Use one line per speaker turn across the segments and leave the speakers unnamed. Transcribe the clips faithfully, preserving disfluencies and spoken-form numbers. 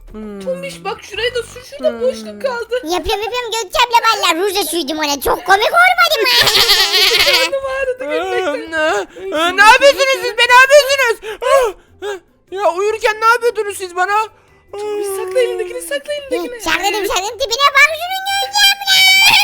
Hmm.
Tombiş bak şuraya da sür, şurada boşluk kaldı.
Yapıyorum yapıyorum Gökçe abla valla rujla sürdüm ona. Çok komik olmadı mı?
Karnım ağrıdı gülmekten.
Ee, e, ne yapıyorsunuz siz be, ne yapıyorsunuz? Ah, ah. Ya uyurken ne yapıyordunuz siz bana?
Tombiş sakla elindekini, sakla elindekini.
Sakladım sakladım tipine bak şunun Gökçe abla.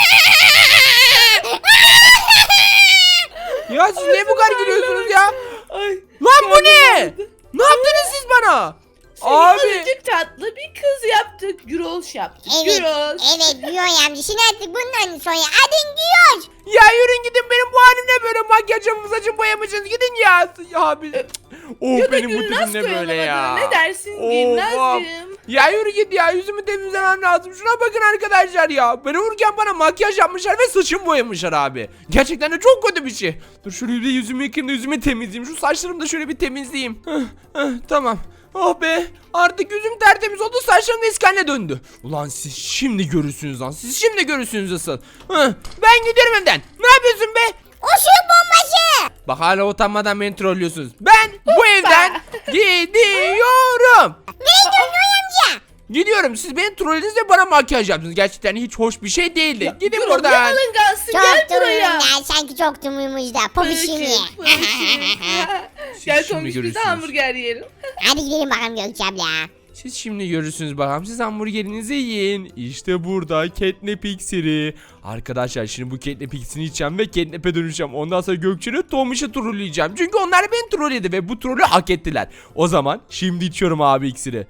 Ya siz niye bu kadar gülüyorsunuz ya?
Ay,
Lan bu
karnım
ne?
ağrıdı.
Ne yaptınız siz bana?
Seni
Abi.
azıcık tatlı bir kız yaptık. Güroş yaptık.
Evet
Güroş.
evet Güyoş amca. Şimdi artık bundan sonra adın Güyoş.
Ya yürün gidin, benim bu halim ne böyle, makyajımı saçımı boyamışsınız, gidin ya. Ya abi. Oh,
Ya da
benim bu
Gülnaz
tipim ne böyle
koyalım
ya.
adına. Ne dersin
Of,
Gülnaz'cığım?
Ya yürü git ya, yüzümü temizlemem lazım. Şuna bakın arkadaşlar ya. Ben uyurken bana makyaj yapmışlar ve saçımı boyamışlar abi. Gerçekten de çok kötü bir şey. Dur şöyle bir de yüzümü yıkayayım da yüzümü temizleyeyim. Şu saçlarımı da şöyle bir temizleyeyim. Hıh, hıh, tamam. Oh be, artık yüzüm tertemiz oldu, saçlarım da eski haline döndü. Ulan siz şimdi görürsünüz lan, siz şimdi görürsünüz asıl. Hıh, ben gidiyorum evden. Ne yapıyorsun be?
Işık bombası.
Bak hala utanmadan beni trollüyorsunuz. Ben bu evden gidiyorum.
Nereye gidiyorsun Güyoş amca?
Gidiyorum. Siz beni trollediniz ve bana makyaj yaptınız. Gerçekten hiç hoş bir şey değildi. Gidin
Gürol,
buradan.
ne alıngansın, gel
Çok
buraya.
durumda. Sanki çok durumumuzda. Popişim ye.
Gel
şimdi
Tombiş biz de
görürsünüz.
hamburger yiyelim.
Hadi gidelim bakalım Gökçe abla.
Siz şimdi görürsünüz bakalım. Siz hamburgerinizi yiyin. İşte burada catnap iksiri. Arkadaşlar şimdi bu catnap iksirini içeceğim ve catnap'e dönüşeceğim. Ondan sonra Gökçen'i Tomiş'i trolleyeceğim. Çünkü onlar beni trolledi ve bu trolü hak ettiler. O zaman şimdi içiyorum abi iksiri.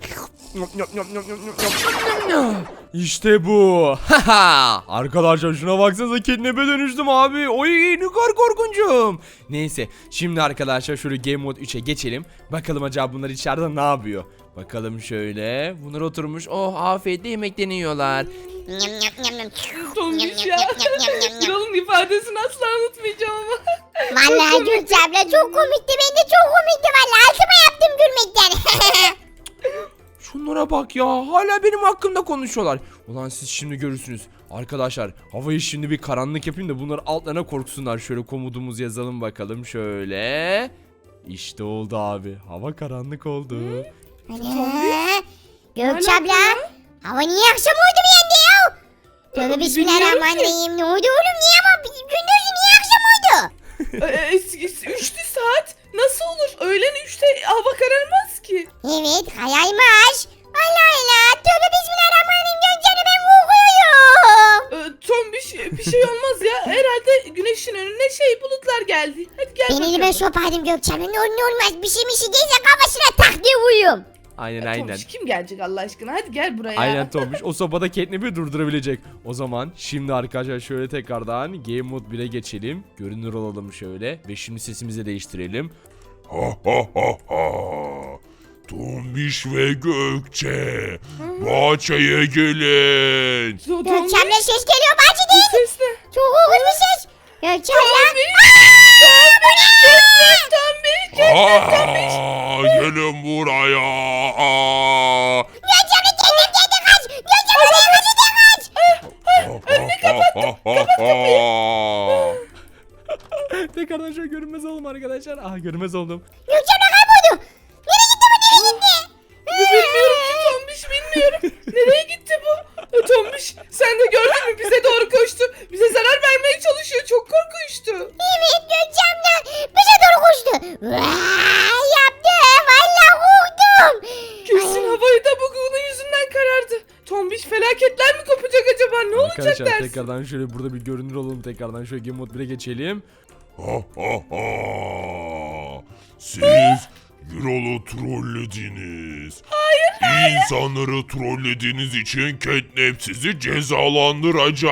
İşte bu. Arkadaşlar şuna baksanıza, catnap'e dönüştüm abi. Oy ne kadar korkuncum. Neyse şimdi arkadaşlar şöyle game mode üçe geçelim. Bakalım acaba bunlar içeride ne yapıyor. Bakalım şöyle. Bunlar oturmuş. Oh afiyetle yemeklerini yiyorlar.
Nyam nyam nyam nyam.
Tombiş ya. Gürol'un ifadesini asla unutmayacağım ama.
Vallahi Gökçe abla çok komikti. Ben de çok komikti vallahi. Altıma yaptım gülmekten.
Şunlara bak ya. Hala benim hakkımda konuşuyorlar. Ulan siz şimdi görürsünüz. Arkadaşlar havayı şimdi bir karanlık yapayım da bunlar altlarına korksunlar. Şöyle komutumuzu yazalım bakalım şöyle. İşte oldu abi. Hava karanlık oldu.
Ana. Gökçe abla. Hava niye akşam oldu bir yanda ya? Tövbe bismillahirrahmanirrahim. Ne oldu oğlum? Niye ama gündüz niye akşam oldu?
Ee, es- Üçtü saat. Nasıl olur? Öğlen üçte hava kararmaz ki.
Evet hayalmiş. Allah Allah. Tövbe bismillahirrahmanirrahim. Gökçe abla ben korkuyorum.
Ee, Tombiş bir şey olmaz ya. Herhalde güneşin önüne şey bulutlar geldi. Hadi gel
Ben
bakalım.
elime sopaydım Gökçe abla. Ne olur ne olmaz. Bir şey bir şey değilse kafasına tak diye vuruyorum.
Aynen
Ya
aynen.
Tombiş kim gelecek Allah aşkına? Hadi gel buraya.
Aynen Tomiş. O sobada catnap'i durdurabilecek. O zaman şimdi arkadaşlar şöyle tekrardan game mode bire geçelim. Görünür olalım şöyle. Ve şimdi sesimizi de değiştirelim.
Ha ha ha ha. Tombiş ve Gökçe, bahçeye gelin.
To- Tombiş,
Gökçe abla ses geliyor bacı
bu
değil.
ses ne?
Çok korkunç bir ses. Gökçe abla.
Tombiş.
Aa, gelin buraya. Aa.
Gökçe abla geldim geldim kaç. Gökçe abla kaç kaç kaç.
Önünü kapat.
Tekrardan şöyle görünmez oldum arkadaşlar. Ah görünmez oldum.
Gökçe abla kayboldu. Nereye gitti bu nereye gitti?
Bilmiyorum ki Tombiş, bilmiyorum. Nereye gitti bu? Ee, Tombiş sen de gördün mü? Bize doğru koştu. Bize zarar vermeye çalışıyor. Çok korkunçtu.
Evet Gökçe abla bize doğru koştu. Vaa, yaptı. Vallahi korktum.
Kesin havayı da bu bunun yüzünden karardı. Tombiş felaketler mi kopacak acaba? Ne olacak
Arkadaşlar
dersin?
tekrardan şöyle burada bir görünür olalım. Tekrardan şöyle game mode bire geçelim.
Ha ha ha. Siz Gürol'u trollediniz. Hayır, İnsanları trollediğiniz için Catnap sizi cezalandıracak.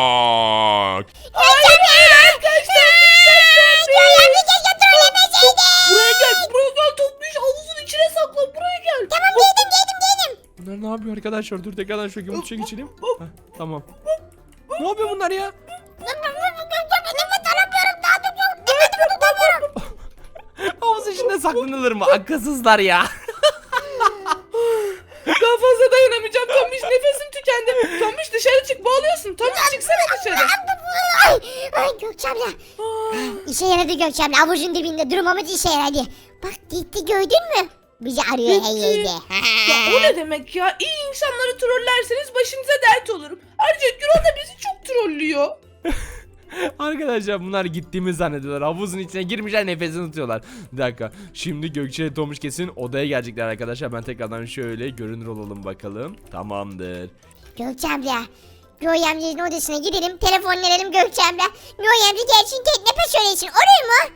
Gökçe abla. Arkadaşlar. Gökçe abla keşke trollemeseydin.
Buraya gel. Buraya gel Tombiş. Havuzun içine sakla. Buraya gel.
Tamam geldim geldim geldim.
Bunlar ne yapıyor arkadaşlar? Dur tekrardan şöyle game mode'a geçelim. Heh, tamam. Ne yapıyor bunlar ya?
Nefes alamıyorum daha da çok. Nefes tutamıyorum.
Havuz içinde saklanılır mı? Akılsızlar ya.
Daha fazla dayanamayacağım Tombiş. Nefesim tükendi. Tombiş dışarı çık. Boğuluyorsun. Tombiş çıksana dışarı.
Ay, ay Gökçe abla. İşe yaradı Gökçe abla. Avucun dibinde durmamız işe yaradı. Bak gitti gördün mü? Bizi arıyor her
Peki.
yerde.
Ya o ne demek ya? İyi insanları trollerseniz başınıza dert olurum. Ayrıca Gürol da bizi çok trollüyor.
Arkadaşlar bunlar gittiğimizi zannediyorlar. Havuzun içine girmişler, nefesini tutuyorlar. Bir dakika. Şimdi Gökçe ile Tomuş kesin odaya gelecekler arkadaşlar. Ben tekrardan şöyle görünür olalım bakalım. Tamamdır.
Gökçe abla. Göğe amcanın odasına gidelim. Telefon verelim Gökçe abla. Göğe amca gelsin Catnap'e söylesin. Olur mu?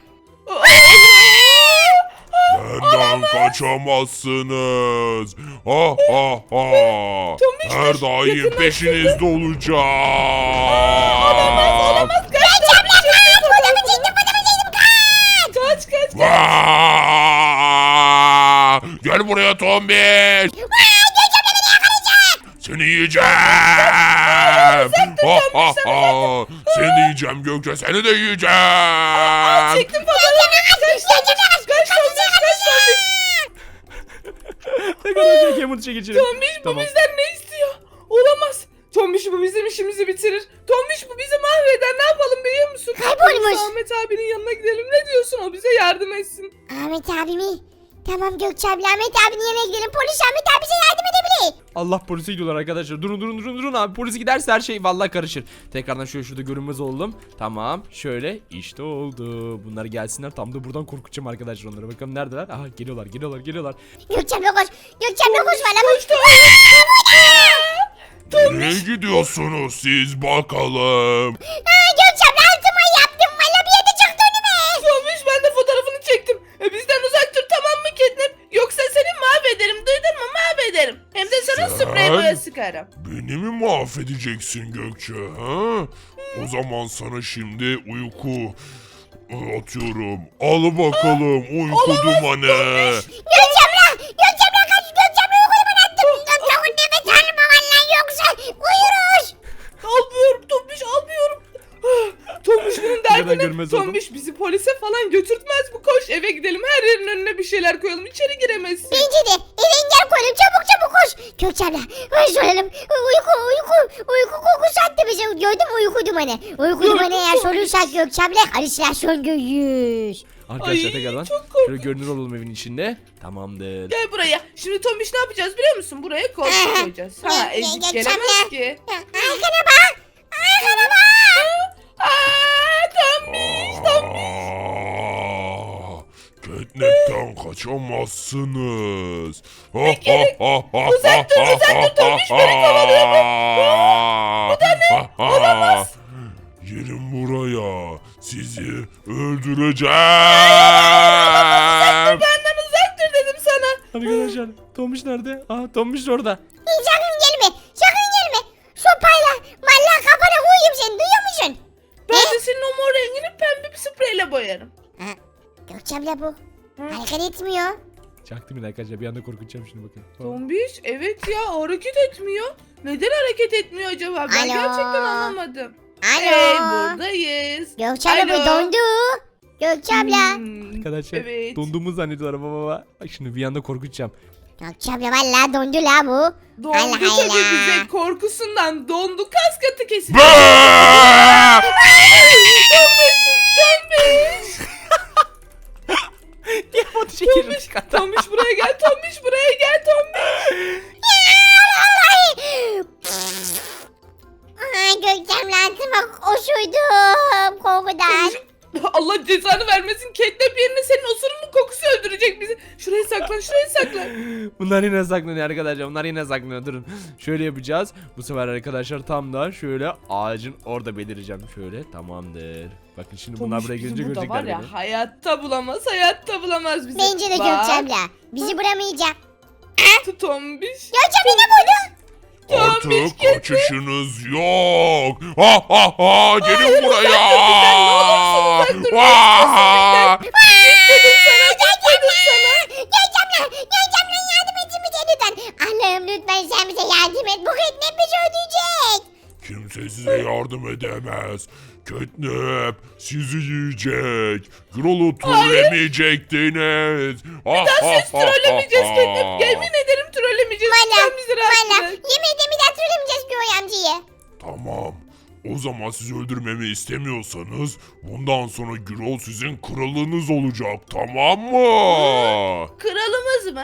Benden kaçamazsınız. Ha ha ha.
Tombiş,
Her
dur,
daim
yakınlaştırdı.
peşinizde olacağım.
Olamaz olamaz. Kaç Tombiş.
Fotoğrafı çektim fotoğrafı çektim.
Kaç kaç.
Vaa! Gel buraya tombiş. Seni yiyeceğim. Ha ha ha. Seni de yiyeceğim Gökçe, seni de yiyeceğim.
Çektim fotoğrafı. Kaç Tombiş. Kaç Tombiş. Kaç Tombiş.
Ne kadar çok yamut çekeceğim.
Tombiş bu bizden ne istiyor? Olamaz. Tombiş bu bizim işimizi bitirir. Tombiş bu bizi mahveder. Ne yapalım biliyor musun?
Kaybolmuş.
Biz Ahmet abinin yanına gidelim. Ne diyorsun? O bize yardım etsin.
Ahmet abi mi? Tamam Gökçe abla Ahmet abinin yanına gidelim. Polis Ahmet abi bize yardım edebilir.
Allah, polise gidiyorlar arkadaşlar. Durun durun durun durun abi. Polis giderse her şey vallahi karışır. Tekrardan şöyle şurada görünmez oldum. Tamam. Şöyle işte oldu. Bunlar gelsinler. Tam da buradan korkutacağım arkadaşlar onları. Bakalım neredeler? Aha geliyorlar geliyorlar geliyorlar.
Gökçe abla koş. Gökçe abla koş bana koş.
Nereye gidiyorsunuz siz bakalım?
Aa, Gökçe abla altıma yaptım. Valla bir yerde çıktı önüme.
Tombiş ben de fotoğrafını çektim. E, bizden uzak dur tamam mı Catnap? Yoksa seni mahvederim. Duydun mu? Mahvederim. Hem de sana
Sen-
sprey boya sıkarım.
Beni mi mahvedeceksin Gökçe? Ha? O zaman sana şimdi uyku atıyorum. Al bakalım uyku dumanı.
Gökçe abla. Gökçe abla kaç. Gökçe abla yukarı attım. Gökçe abla nefes alma valla yoksa uyuruz.
Almıyorum Tombiş almıyorum. Tombiş bunun
Neden
derdi
görmez
ne?
oldum?
Tombiş bizi polise falan götürtmez bu. Koş eve gidelim. Her yerin önüne bir şeyler koyalım. İçeri giremezsin.
Bence de eve engel koyalım çabuk çabuk koş. Gökçe abla koş soralım. Uyku uyku uyku kokusu attı bize. Gördün mü uyku dumanı? Uyku
Gördüm,
dumanı eğer
Tombiş.
solursak Gökçe abla halüsinasyon görürüz.
Arkadaşlar
Ay,
tekrardan
çok korkunç.
şöyle görünür olalım evin içinde. Tamamdır.
Gel buraya. Şimdi Tombiş ne yapacağız biliyor musun? Buraya koltuk koyacağız. Ha
Gel, gel,
ezik
gel,
gelemez
çabuk.
ki.
Arkana bak. Arkana bak.
Aaa Tombiş.
Aa, Catnap'ten kaçamazsınız. Ha, ha, ha, ha,
Uzak dur,
ha,
uzak
ha,
dur, Tombiş, beni
ha,
kovalıyor bu.
ha,
Bu da ne?
ha, ha.
Olamaz.
Gelin buraya. Sizi öldüreceğim.
Benden uzak dur dedim sana.
Arkadaşlar Tomuş nerede? Aa Tomuş orada.
Sakın gelme. Sakın gelme. Sopayla valla kafana vurayım seni duyuyor musun?
Ben de senin o mor rengini pembe bir spreyle boyarım.
Ha, Gökçe abla bu. Hareket etmiyor.
Çaktım yine arkadaşlar. Bir anda korkutacağım şimdi bakın. Tamam.
Tombiş evet ya hareket etmiyor. Neden hareket etmiyor acaba? Ben
Alo.
gerçekten anlamadım.
Alo.
Hey buradayız.
Gökçe abla
Alo.
bu dondu. Gökçe abla.
Hmm,
Arkadaşlar
evet.
donduğumu zannediyorlar baba baba. Bak şimdi bir anda korkutacağım.
Gökçe abla valla dondu la bu.
Dondu
Allah
tabii
Allah.
bize korkusundan dondu kas katı kesin.
Bıı!
Tombiş.
Niye foto çekelim?
Tombiş buraya gel. Tombiş buraya gel. Tombiş.
Ay Gökçe abla altıma koşuydum korkudan.
Allah cezanı vermesin. Catnap yerine senin osurunun kokusu öldürecek bizi. Şuraya saklan, şuraya saklan.
Bunlar yine saklanıyor arkadaşlar. Bunlar yine saklanıyor. Durun. Şöyle yapacağız. Bu sefer arkadaşlar tam da şöyle ağacın orada belireceğim. Şöyle tamamdır. Bakın şimdi bunlar buraya
Tombiş bizi
gelince
burada var
görecekler
ya
beni.
hayatta bulamaz, hayatta bulamaz bizi.
Bence de
Bak,
Gökçe abla. Bizi bulamayacak.
Tombiş.
Gökçe abla ne buldu?
Artık kaçışınız yok. Ha ha ha gelin buraya. Vaa!
Dedim sana, dedim sana.
Gökçe abla. Gökçe abla yardım etsin bize lütfen. Allah'ım lütfen sen bize yardım et. Bu Catnap bizi öldürecek.
Kimse size yardım edemez. Catnap sizi yiyecek. Grol'u trollemeyecektiniz. Ha,
Daha
ha,
siz
ha,
trollemeyeceğiz
ha,
Catnap.
ha.
Yemin ederim trollemeyeceğiz.
Valla.
Sen bizi rahat
Valla.
bırak.
Yemin ederim bir daha söylemeyeceğiz Göğe amcayı.
Tamam. O zaman sizi öldürmemi istemiyorsanız bundan sonra Grol sizin kralınız olacak, tamam mı?
Kralımız mı?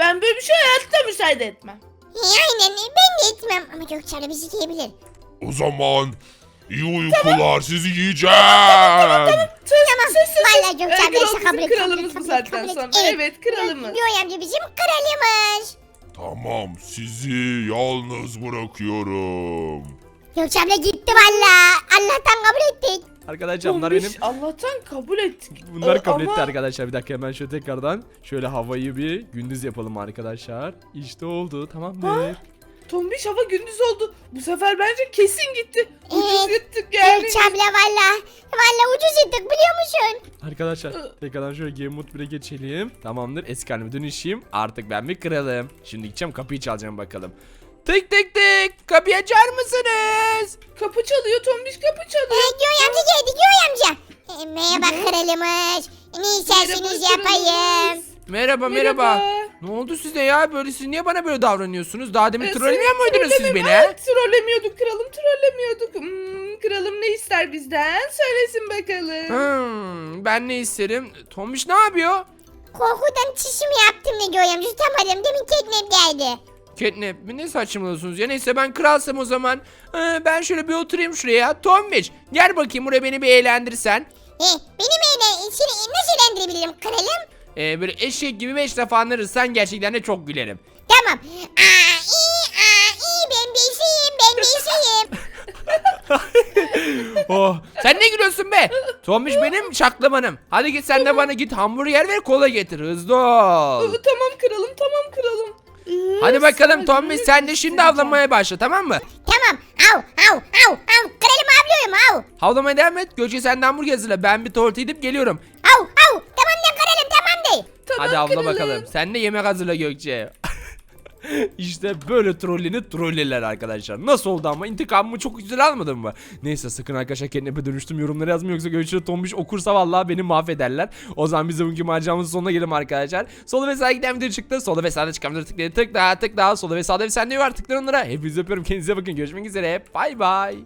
Ben böyle bir şey hayatta müsaade etmem.
He, aynen ben de etmem ama Gökçe abla bizi yiyebilir.
O zaman iyi uykular, sizi yiyeceğim.
Sus,
Tamam,
sus, sus,
vallahi
sus.
Gökçe
Ee,
abla
Gürol
işte
bizim
kabul et,
kralımız
kabul
bu
et,
saatten
kabul et.
sonra.
Evet.
Evet, kralımız.
Göğe amca bizim kralımız.
Tamam, sizi yalnız bırakıyorum.
Gökçe abla gitti valla. Allah'tan kabul ettik.
Arkadaşlar bunlar
Tombiş,
benim.
Allah'tan kabul ettik.
Bunlar
Ee,
kabul
ama-
etti arkadaşlar. Bir dakika hemen şöyle tekrardan şöyle havayı bir gündüz yapalım arkadaşlar. İşte oldu, tamamdır.
Tombiş, hava gündüz oldu. Bu sefer bence kesin gitti. Ucuz
Evet.
gittik yani.
Gökçe abla valla. Valla ucuz ettik biliyor musun?
Arkadaşlar tekrardan şöyle Game Mode bire geçelim. Tamamdır, eski halime dönüşeyim. Artık ben bir kralım. Şimdi gideceğim, kapıyı çalacağım bakalım. Tık tık tık, kapıyı açar mısınız?
Kapı çalıyor Tombiş, kapı
Ee,
çalıyor.
Göğe amca geldi Göğe amca. Ee, merhaba kralımız. Ne isterseniz
Merhaba,
yapayım.
Merhaba, merhaba Ne oldu size ya? Böyle siz niye bana böyle davranıyorsunuz? Daha demin
Ee,
trollemiyor
seni
muydunuz siz
trollemem-
beni?
Evet, trollemiyorduk kralım, trollemiyorduk. Hmm, kralım ne ister bizden? Söylesin bakalım.
Hmm, ben ne isterim? Tomiş ne yapıyor?
Korkudan çişimi yaptım ne Göğe amca tutamadım. Demin teknem geldi.
Catnap mi? Ne saçmalıyorsunuz ya? Neyse ben kralsam o zaman. Ee, ben şöyle bir oturayım şuraya. Tombiç gel bakayım buraya, beni bir eğlendirsen.
He, benim eyle, seni nasıl eğlendirebilirim kralım?
Ee, böyle eşek gibi beş defa anırırsan gerçekten de çok gülerim.
Tamam. Aa, iyi, aa, iyi ben beşiyim, ben beşiyim.
Oh, sen ne gülüyorsun be? Tombiç benim şaklamanım. Hadi git sen de bana git hamburger ver, kola getir, hızlı ol.
Ee, Tamam kralım, tamam kralım. Ee,
Hadi bakalım
sadece
Tombiç, sen de şimdi avlamaya başla, tamam mı?
Tamam. Av, av, av, av. Kralım avlıyorum av.
Havlamaya devam et. Gökçe sen de hamburger hazırla. Ben bir tuvalete gidip geliyorum.
Av, av. Tamam da kralım tamam de.
Tamam
Hadi avla
kralım.
bakalım. Sen de yemek hazırla Gökçe. İşte böyle trollini trollerler arkadaşlar. Nasıl oldu ama, intikamımı çok güzel almadın mı? Neyse sakın arkadaşlar kendime dönüştüm yorumlara yazmayın, yoksa Gökçe Tombiş okursa vallahi beni mahvederler. O zaman biz de bugünkü maceramızın sonuna gelelim arkadaşlar. Sola ve sağa giden video çıktı. Sola ve sağda çıkan video tıklayın, tık daha tık daha. Sola ve sağda bir sende var, tıklayın onlara. Hepinizi öpüyorum, kendinize bakın, görüşmek üzere. Bay bay.